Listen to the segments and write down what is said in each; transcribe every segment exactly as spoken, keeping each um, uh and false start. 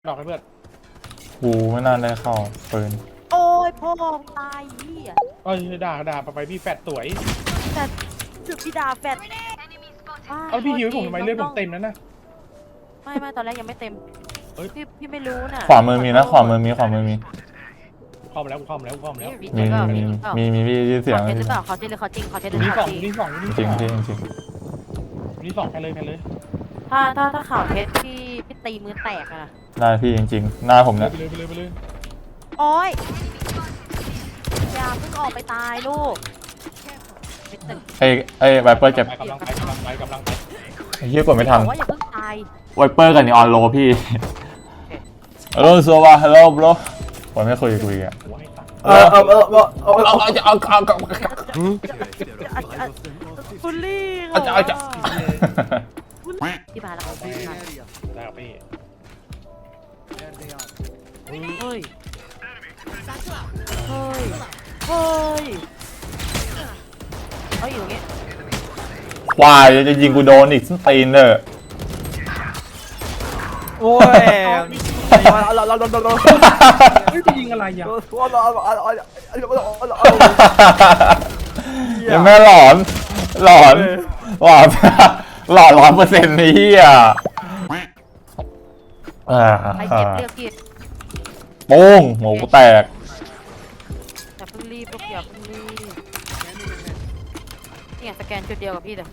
ดอกให้เพื่อนกูไม่น่าได้เข้าปืนโอ้ยพ่อตายพี่อ่ะเอ้ยด่าด่าไปไปพี่แฟดสวยแต่จุดพี่ดาแฟดเอาพี่หิวให้ผมทำไมเลือดผมเต็มนั้นนะไม่ไม่ตอนแรกยังไม่เต็มพี่พี่ไม่รู้น่ะขวามือมีนะขวามือมีขวามือมีเข้ามาแล้วเข้ามาแล้วเข้ามาแล้วมีมีมีมีมีเสียงเขาเทหรือเปล่าเขาเทหรือเขาจริงเขาเทหรือนี่สองเขาจริงนี่สองนี่จริงสองจริงจริงนี่สองแค่เลยแค่เลยถ้าถ้าถ้าข่าวเทสพี่พี่ตีมือแตกอ่ะได้พี่จริงๆหน้าผมเนี่ยไปเลยไปเลยไปเลยโอ้ยอย่าเพิ่งออกไปตายลูกไอ้ไอ้ไวเปอร์เจ็บกำลังไปกำลังไปกำลังไปไอ้เหี้ยกดไม่ทันว่าอย่าเพิ่งตายไวเปอร์กับนีออนโลพี่ฮัลโหลสวัสดีฮัลโหลบล็อกผมไม่คุยคุยอ่ะเออเออเออเออเออเอาเอาเอาเอาเอาบุลลี่เอาเอาเอาที่มาแล้วพี่มาได้พี่เฮ้ยเฮ้ยเฮ้ยเฮ้ยอยู่เงี้ยควายจะยิงกูโดนอีกส้นตีนเนอะโอ้ยเราเราเราเราเราเฮ้ยจะยิงอะไรอย่างยังไม่หลอนหลอนหลอนหลอนร้อยเปอร์เซ็นต์นี่อ่ะใครเก็บเลือกพี่โป้งหมูแตกอย่าเพิ่งรีบลูกอย่าเพิ่งรีบนี่สแกนจุดเดียวกับพี่เลย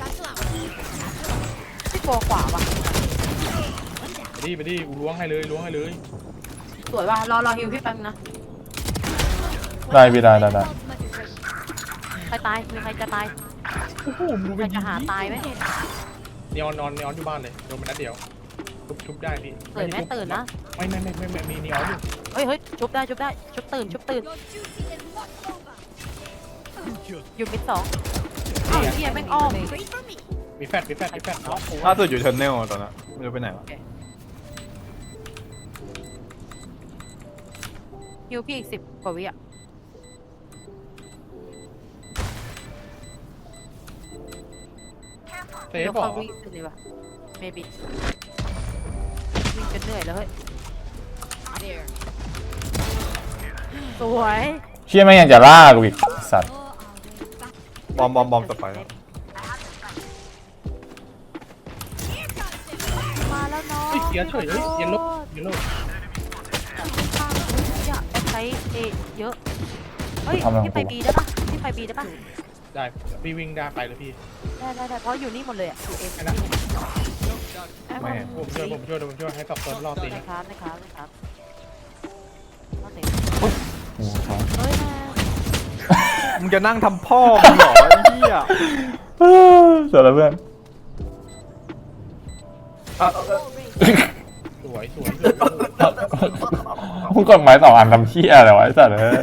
พี่โกขวาว่ะไปดิไปดิกูล้วงให้เลยล้วงให้เลยสวยว่ะรอรอฮิวพี่แป๊บนะได้พี่ได้ได้ได้ใครตายมีใครจะตายโอ้โหมูใครจะหาตายไหมนอนนอนนอนอยู่บ้านเลยโดนมันนัดเดียวชุบชุบได้พี่ตื่นไหมตื่นนะไม่ไม่ไม่ไม่ไม่มีนีออนอยู่เฮ้ยเฮ้ยชุบได้ชุบได้ชุบตื่นชุบตื่นอยู่มิดสองเฮ้ยเฮียแม่งอ้อมมีแฟดมีแฟดมีแฟดเนาะล่าสุดอยู่เทอร์เนลตอนนั้นไม่รู้ไปไหนวะฮิวพี่อีกสิบกว่าวิอ่ะเซฟบอกวิ่งเลยว่ะเมบิวิ่งจนเหนื่อยแล้วเฮ้ยสวยเชี่ยแม่งยังจะล่ากูอีกสัตว์บอมบอมบอมต่อไปมาแล้วเนาะเสียเฉยเฮ้ยเย็นลบเย็นลบอยากใช้เอเยอะเฮ้ยพี่ไปบีได้ปะพี่ไปบีได้ปะได้พี่วิ่งได้ไปเลยพี่ได้ได้ได้เพราะอยู่นี่หมดเลยอ่ะอยู่เอ็มนะไม่ผมช่วยผมช่วยผมช่วยให้ตอบตัวรอตีนะครับนะครับนะครับรอตีโอ้โหเฮ้ยมึงจะนั่งทำพ่อมึงเหรอไอ้เหี้ยเสร็จแล้วเพื่อนสวยสวยมึงกดไม้สองอันทำเหี้ยอะไรวะไอ้สัตว์เอ้ย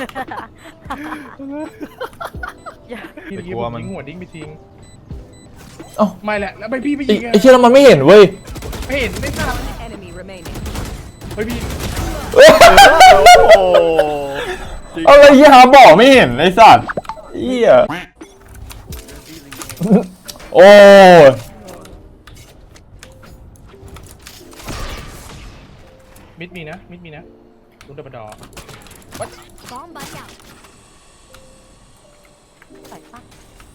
พี่ยิงมันหัวดิ้งไปทิ้งไม่แหละแล้วไปพี่ไปยิงไอ้เชี่ยแล้วมันไม่เห็นเว้ยไม่เห็นไม่ทราบเฮ้ยพี่อะไรยี่หาบอกไม่เห็นไอ้สัตว์เหี้ยโอ้มิดมีนะมิดมีนะลุงดับดอใส่ปั๊ก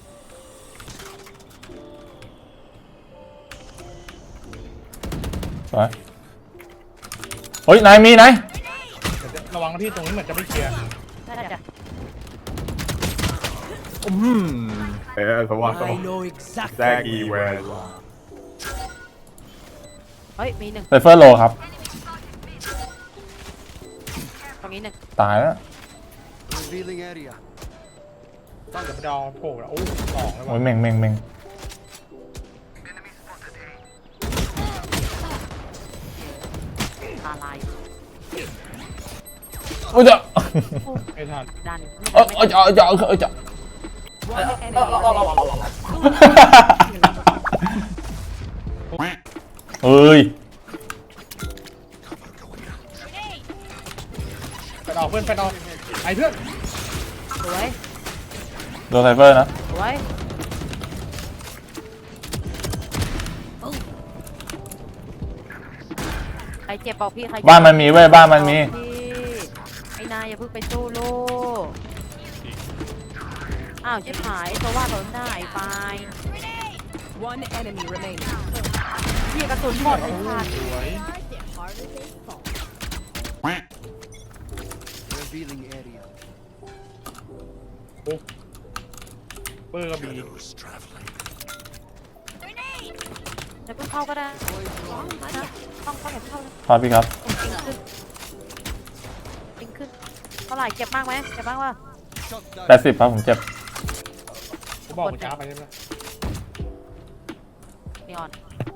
สวยเฮ้ยนายมีนายระวังนะพี่ตรงนี้เหมือนจะไม่เคลียร์ได้ได้จ้ะอืมเออสวัสดีแซกีเวลเฮ้ยมีหนึ่งไซเฟอร์โลครับตรงนี้หนึ่งตายแล้วต้องดับดอโผล่แล้วโอ้สองแล้วโอ้ยเม่งเม่งเม่งอะไรโอ้ยจะไม่ทันดันเออเออจะเออจะเออจะเฮ้ยไปเอาเพื่อนไปเอาไอ้เพื่อนสวยโดนไซเฟอร์นะสวยใครรเจ็บบอกพี่ใครบ้านมันมีเว้ยบ้านมันมีพี่ไอ้นายอย่าเพิ่งไปสู้โลกอ้าวชิบหายตัวว่าโดนได้ไป One enemy remaining. พี่กระสุนหมดไอ้ขาดสวย Revealing area. โอ้เบอร์กระบี่จะเพิ่งเข้าก็ได้นะต้องเข้าเห็นเข้าเลยครับพี่ครับปิงขึ้นปิงขึ้นเท่าไหร่เจ็บมากไหมเจ็บมากวะ Shot down. แปดสิบครับผมเจ็บผมบอกมันช้าไปใช่ไหมนีออน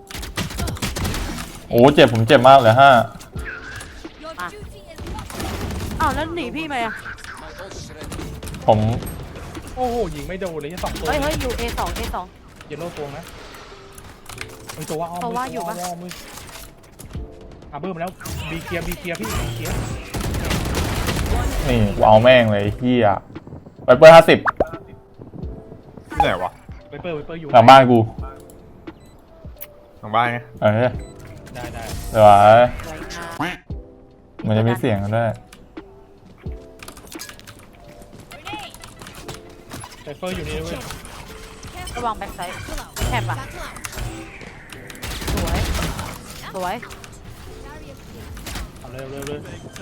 โอ้เจ็บผมเจ็บมากเลยห้าอ่ะอ้าวแล้วหนีพี่ไหมอ่ะ My ult's ready. ผมโอ้โหยิงไม่โดนเลยแค่สองตัวเฮ้ยเฮ้ยอยู่ เอ สอง เอ สองเยลโล่ตัวนะมันตัวว่าอ้อมตัวว่าอยู่ปะอ้อมมืออาเบอร์มาแล้วบีเกียร์บีเกียร์พี่บีเกียร์นี่กูเอาแม่งเลยเฮียไปเปิดห้าสิบที่ไหนวะไวเปอร์ไวเปอร์อยู่หลังบ้านกูทางบ้านไงเออได้ได้เดี๋ยวไว้สวยงามมันจะมีเสียงกันด้วยไวเปอร์อยู่นี่เว้ยระวังแบ็คไซด์แคบอ่ะสวยสวยเอาเร็วเร็วเร็ว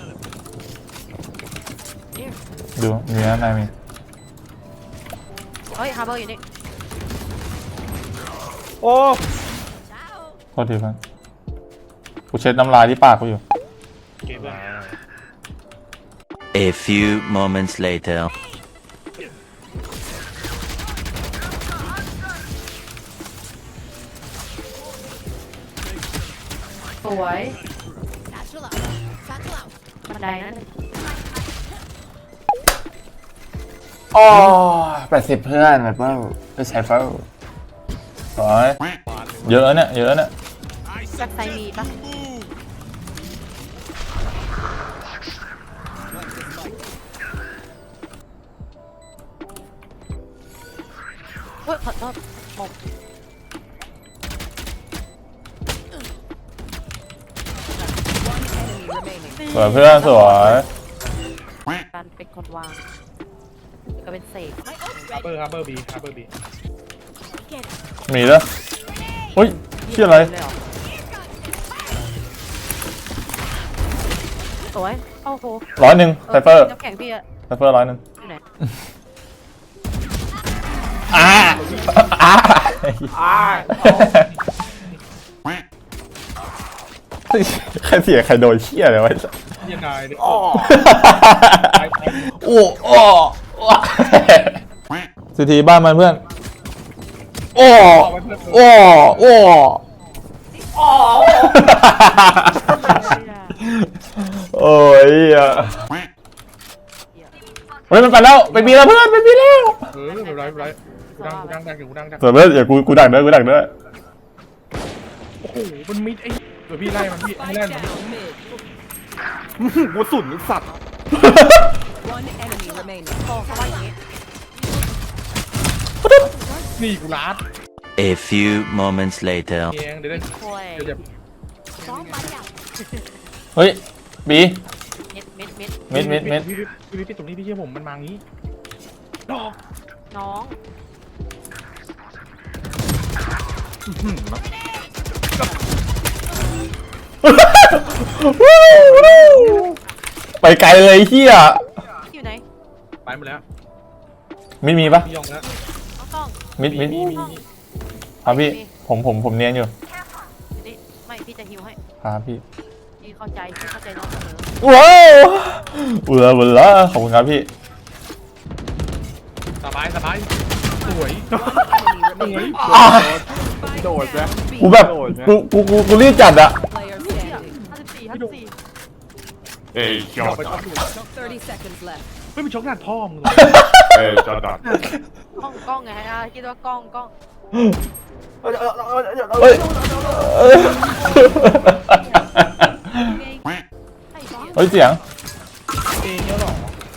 ดูมีนะนายมีเฮ้ยฮาร์เบอร์อยู่นี่โอ้โทษทีเพื่อนกูเช็ดน้ำลายที่ปากกูอยู่เก็บเลย A few moments later. สวยบันไดนั้นอ๋อแปดสิบเพื่อนแบบว่าไม่ใช่เฝ้าสวยเยอะเนี่ยเยอะเนี่ยแบ็คไซด์มีปะเฮ้ยขอโทษหมก One enemy remaining. สวยเพื่อนสวยการเป็นคนวางก็เป็นเสกฮาร์เบอร์ฮาร์เบอร์บีฮาร์เบอร์บีมีแล้วเฮ้ยเชี่ยอะไรเลยเหรอสวยโอ้โหร้อยหนึ่งไซเฟอร์น้ำแข็งพี่อะไซเฟอร์ร้อยหนึ่งอยู่ไหนอ่าอ่าใครเสียใครโดนเชี่ยเลยวะเยี่ยนายเนี่ยโอ้โอ้สิทีบ้านมันเพื่อน โอ้โอ้โอ้โอ้ยอ่ะเฮ้ยมันไปแล้วไปบีแล้วเพื่อนไปบีแล้วเออไม่เป็นไรไม่เป็นไรกูดังกูดังดังอยู่กูดังดังเสือเพื่อนอย่ากูกูดักเด้อกูดักเด้อโอ้โหมันมิดไอ้เดี๋ยวพี่ไล่มันพี่ให้ Spike ไล่มัน down mid. กูสุนสัตว์ One enemy remaining. โอ้เขาว่าอย่างนี้นี่กูรัด A few moments later. เองเดี๋ยวได้โอ้ยเดี๋ยวจะเฮ้ยบีมิดมิดมิดมิดมิดมิดพี่พี่พี่พี่ตรงนี้พี่เชื่อผมมันมางี้ดอกน้องไปไกลเลยเฮียอยู่ไหนไปหมดแล้วมิดมีปะพี่ยองแล้วน้องกล้องมิดมิดมีมีมีครับพี่ผมผมผมเนียนอยู่อยู่นี่ไม่พี่จะฮิวให้ครับพี่พี่เข้าใจพี่เข้าใจน้องเสมอว้าวอุลาอุลาขอบคุณครับพี่สบายสบายสวย Enemy remaining. โดดนะ Down B. กูแบบกูกูกูกูรีบจัดอะ Player standing. ห้าสิบสี่ห้าสิบสี่เอ้ยจอดอดกไปช็อตอยู่ Thirty seconds left. ไม่เป็นช็อตหน้าพ่อมึงเอ้ยจอดดัดกล้องกล้องไงฮะคิดว่ากล้องกล้องเฮ้ยไอ้บ้าเฮ้ยเสียงเองเนี่ยหรอ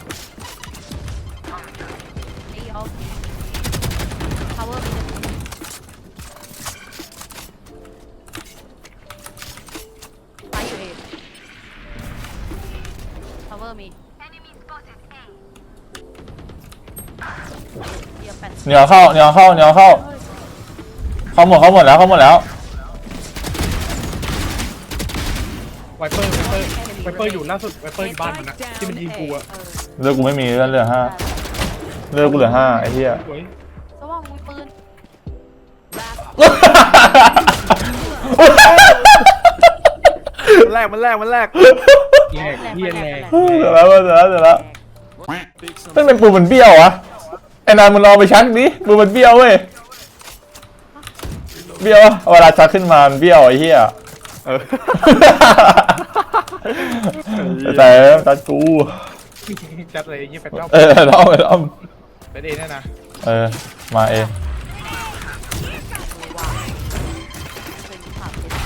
ไอ้เอา power มีไปอยู่เองอร์มีเดี๋ยวแปดเหนียวเข้าเหนียวเข้าเหนียวเข้าเข้าหมดเข้าหมดแล้วเข้าหมดแล้วไวเปอร์ไวเปอร์ไวเปอร์อยู่ล่าสุดไวเปอร์อยู่บ้านมันนะที่มันยิงกูอะเลือกกูไม่มีเลือกเหลือห้าเลือกกูเหลือห้าไอ้เหี้ยสวยสว่างมีปืนมันแรกมันแรกมันแรกแหลกเฮียแหลกเสร็จแล้วเสร็จแล้วเสร็จแล้วมันเป็นปูมันเบี้ยวอะไอ้นายมึงลองไปชักดิปูมันเบี้ยวเว้ยเบี้ยวอะเวลาชักขึ้นมามันเบี้ยวไอ้เหี้ยเออแต่ตัดกูจัดเลยยี่แปดรอบเออล้อมล้อมเป็นเองแน่นะเออมาเองเป็นผ่าเป็น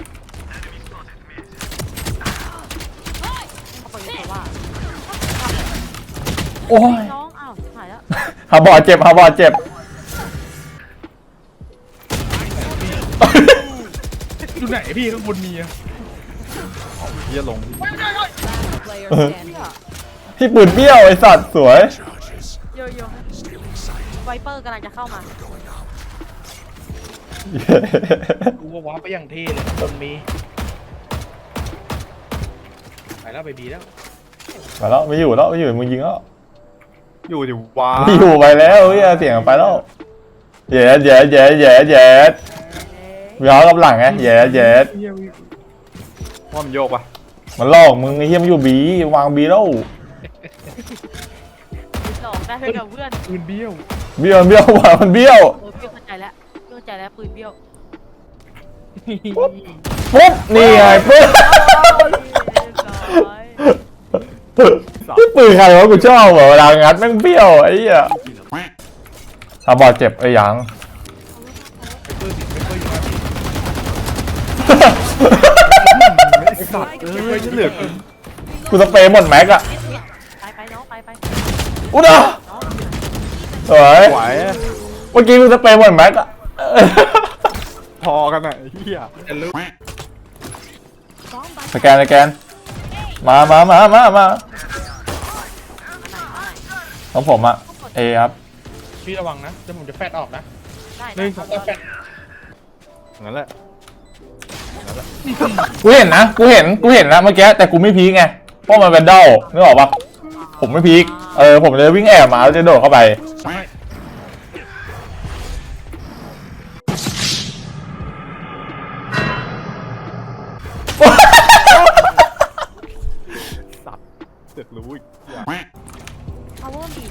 เขาไปเลยว่าโอ้ยน้องอ้าวหายแล้วฮาบอดเจ็บฮาบอดเจ็บอยู่ไหนพี่ข้างบนมีอะเฮียลง Player standing. พี่ปืนเบี้ยวไอ้สัตว์สวยโยโย่ไวเปอร์กำลังจะเข้ามากูว่าว้าไปอย่างเท่เลยบนมีไปแล้วไปบีแล้วมาแล้วไม่อยู่แล้วไม่อยู่มึงยิงแล้วอยู่ดิว้าไม่อยู่ไปแล้วเฮ้ยเสียงไปแล้วเย็ดเย็ดเย็ดเย็ดเย็ดมีเขากับหลังไงเย็ดเย็ดเฮียว่ามันโยกปะมันหลอกมึงไอ้เหี้ยมันอยู่บีวางบีแล้วหลอกได้กับเพื่อนปืนเบี้ยวเบี้ยวเบี้ยวว่ะมันเบี้ยวเออเบี้ยวเข้าใจแล้วเบี้ยวเข้าใจแล้วปืนเบี้ยวปุ๊บนี่ไงปุ๊บที่ปืนใครวะกูชอบว่ะเวลางัดแม่งเบี้ยวไอ้เหี้ยฮาบอดเจ็บไอ้หยังไอ้สัตว์เอ้ยเหลือกูกูสเปรย์หมดแม็กอะไปไปน้องไปไปอุ๊ดอ่ะสวยไหวเมื่อกี้กูสเปรย์หมดแม็กอะพอกันอ่ะเฮียจะรู้สแกนสแกนมามามามามาของผมอะเอครับพี่ระวังนะเดี๋ยวผมจะแฟดออกนะได้หนึ่งสองสามแฟดงั้นแหละกูเห็นนะกูเห็นกูเห็นนะเมื่อกี้แต่กูไม่พีกไงเพราะมันเป็นเด้านึกออกปะผมไม่พีกเออผมเลยวิ่งแอบมาแล้วจะโดดเข้าไปสับเสือกรู้อีกพาวเวอร์มี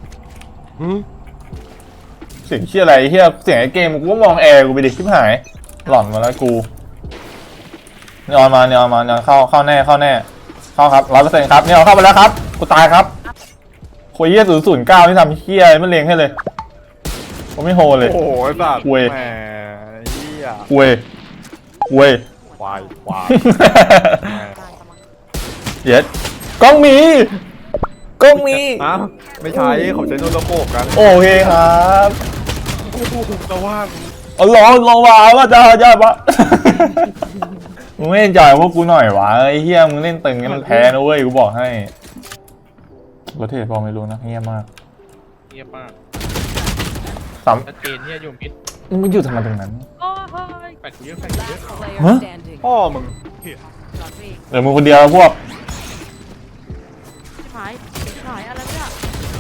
เสียงเชี่ยอะไรเฮียเสียงไอ้เกมกูก็มองแอร์กูไปดิชิบหายหล่อนมาแล้วกูนอนมานอนมานอนเข้าเข้าแน่เข้าแน่เข้าครับร้อยเปอร์เซ็นต์ครับเนี่ยเข้าไปแล้วครับกูตายครับคุยเฮียศูนย์ศูนย์เก้าที่ทำเฮียไม่เลงให้เลยผมไม่โหเลยโอ้โหไอ้สัตว์เว้ยแหมเฮียเว้ยเว้ยควายควายได้กำลังเย็ดกล้องมีกล้องมีอ้าวไม่ใช่เขาใช้โนโลโก้กันโอเคครับโอ้โหแต่ว่าเอาลองลองว่าว่าจะจะปะ มึงไม่จ่ายพวกกูหน่อยวะไอ้เฮียมึงเล่นตึงกันมันแพ้นะเว้ยกูบอกให้ประเทศพอไม่รู้นะเฮียมากเงียบมากสามชัดเจนเนี่ยอยู่มิดมึงไม่อยู่ทำไมตรงนั้นโอ้ยแฟดกูเยอะแฟดกูเยอะ Player Huh? standing. พ่อมึงหลอนพี่เดี๋ยวมึงคนเดียวพวกชิบหายชิบหายอะไรเนี่ย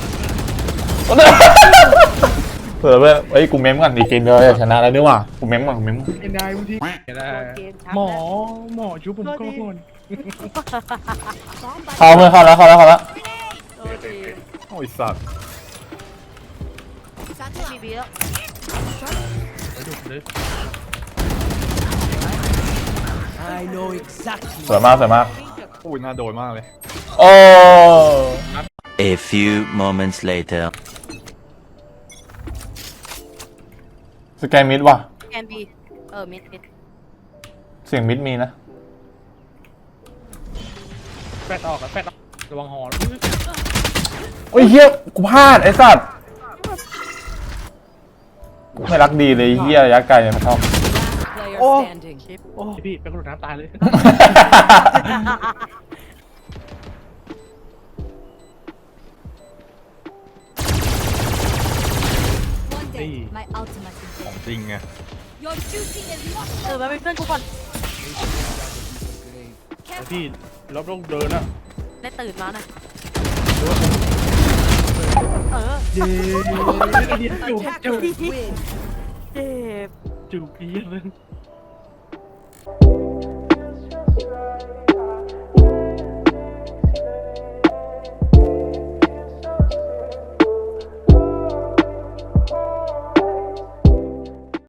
เผื่อเพื่อนเอ้ยกูเม้มก่อนดีเกมเดียวจะชนะแล้วนี่หว่ากูเม้มก่อนกูเม้มเอ็นได้บางทีไม่ได้หมอหมอชุบผมก่อนเข้าเพื่อนเข้าแล้วเข้าแล้วเข้าแล้วโอ้ดีโอ้ยสัตว์บีบีแล้วไปดูเลยสวยมากสวยมากพูดน่าโดนมากเลยโอ้ A few moments later. สแกนมิดว่ะแกนบีเออมิดมิดเสียงมิดมีนะแฟดออกแล้วแฟดออกระวังหอโอ้ยเฮียกูพลาดไอ้สัตว์ไม่รักดีเลยเฮียระยะไกลเนี่ยมันชอบ Player standing. พี่เป็นคนน้ำตายเลยนี่ My ultimate is ของ ready. จริงไง Your duty is not เออมาเป็นเพื่อนกูก่อนไอ้พี่รอบต้องเดินอะได้ตื่นมาหน่อยเออเย้เดี๋ยวจูบจูบ Attackers win. เจ็บจูบอีกนึง